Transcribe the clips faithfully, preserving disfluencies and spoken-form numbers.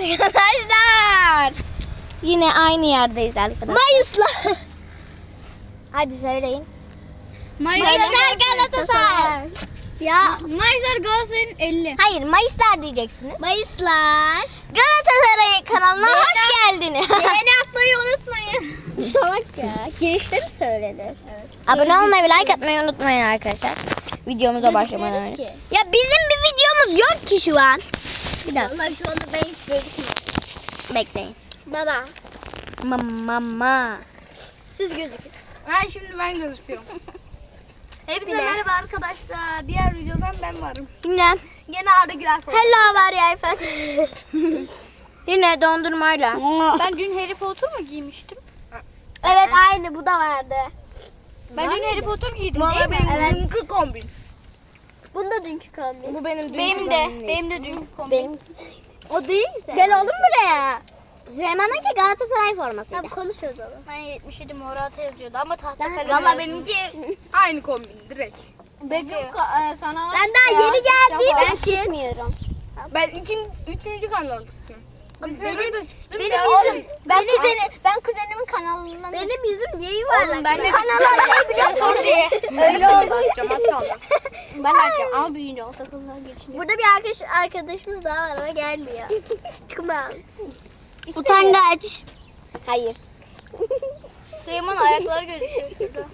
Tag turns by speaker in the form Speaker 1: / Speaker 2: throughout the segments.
Speaker 1: arkadaşlar. Yine aynı yerdeyiz arkadaşlar.
Speaker 2: Mayıs'la.
Speaker 1: Hadi söyleyin.
Speaker 2: Mayıslar Galatasaray. Ya Mayıslar Galatasaray'ın elli.
Speaker 1: Hayır, Mayıslar diyeceksiniz.
Speaker 2: Mayıslar.
Speaker 1: Galatasaray kanalına
Speaker 2: Beğeni-
Speaker 1: hoş geldiniz.
Speaker 2: Beğeni atmayı unutmayın. Salak ya. Girişte mi söylenir? Evet.
Speaker 1: Abone olmayı ve like atmayı unutmayın arkadaşlar. Videomuza başlamadan
Speaker 2: Gözükmüyoruz
Speaker 1: önce.
Speaker 2: ki.
Speaker 1: Ya bizim bir videomuz yok ki şu an. Bir dakika.
Speaker 2: Vallahi şu anda ben hiç gözükmüyorum.
Speaker 1: Bekleyin.
Speaker 2: Baba.
Speaker 1: Mama.
Speaker 2: Siz gözükün.
Speaker 3: Ha şimdi ben gözüküyorum. Hepinize
Speaker 1: Bir de.
Speaker 3: merhaba arkadaşlar. Diğer videodan ben varım.
Speaker 1: Yine.
Speaker 3: Yine Arda Güler falan.
Speaker 1: Hello var ya efendim. Yine dondurmayla.
Speaker 3: Ben dün Harry Potter mı giymiştim?
Speaker 2: Evet aynı bu da vardı.
Speaker 3: Ben dün Harry Potter giydim
Speaker 2: Vallahi
Speaker 3: değil mi?
Speaker 2: benim Evet.
Speaker 3: Dünkü kombin.
Speaker 2: Bunda dünkü kombin.
Speaker 3: Bu benim dünkü
Speaker 1: Benim
Speaker 3: kombin
Speaker 1: de.
Speaker 3: değil.
Speaker 1: Benim de dünkü kombin.
Speaker 2: Benim.
Speaker 3: O değil mi?
Speaker 2: Gel oğlum buraya. Süleyman'ınki Galatasaray formasıydı. Tamam konuşuyoruz oğlum.
Speaker 3: Ben yetmiş yedi Morata yazıyordu ama tahta
Speaker 2: Ben-
Speaker 3: kalem
Speaker 2: Vallahi
Speaker 3: yazdım.
Speaker 2: benimki.
Speaker 3: Aynı kombin direkt.
Speaker 2: Bekliyorum.
Speaker 3: kanala
Speaker 2: Ben daha yeni geldiğim
Speaker 3: Ben,
Speaker 2: için. Ben çıkmıyorum.
Speaker 3: ben ikinci, üçüncü kanala çıktım.
Speaker 2: Benim,
Speaker 3: Benim,
Speaker 2: benim
Speaker 3: ya.
Speaker 2: yüzüm. Ben,
Speaker 3: Benim-
Speaker 2: kuzeni, ben kuzenimin kanalından. Benim yüzüm niye yuvarlak?
Speaker 3: Oğlum ben de
Speaker 2: kanallar ne biliyor
Speaker 3: Sor diye.
Speaker 2: Öyle oldu.
Speaker 3: Açacağım, az kaldı.
Speaker 2: Ben açacağım ama büyüyünce o takımlar geçince. Burada bir arkadaş, arkadaşımız daha var ama gelmiyor. Çıkma.
Speaker 1: Utangaç.
Speaker 2: Hayır.
Speaker 3: Süleyman ayakları gözüküyor şurada.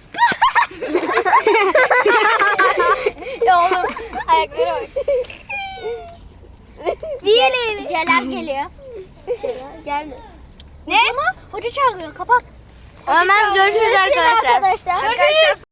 Speaker 2: Ya oğlum.
Speaker 3: Ayakları var.
Speaker 2: Diyelim. Celal geliyor. Celal gelmiyor.
Speaker 3: Ne?
Speaker 2: Hoca çağırıyor kapat.
Speaker 1: Hemen görüşürüz arkadaşlar.
Speaker 2: arkadaşlar.
Speaker 3: Görüşürüz.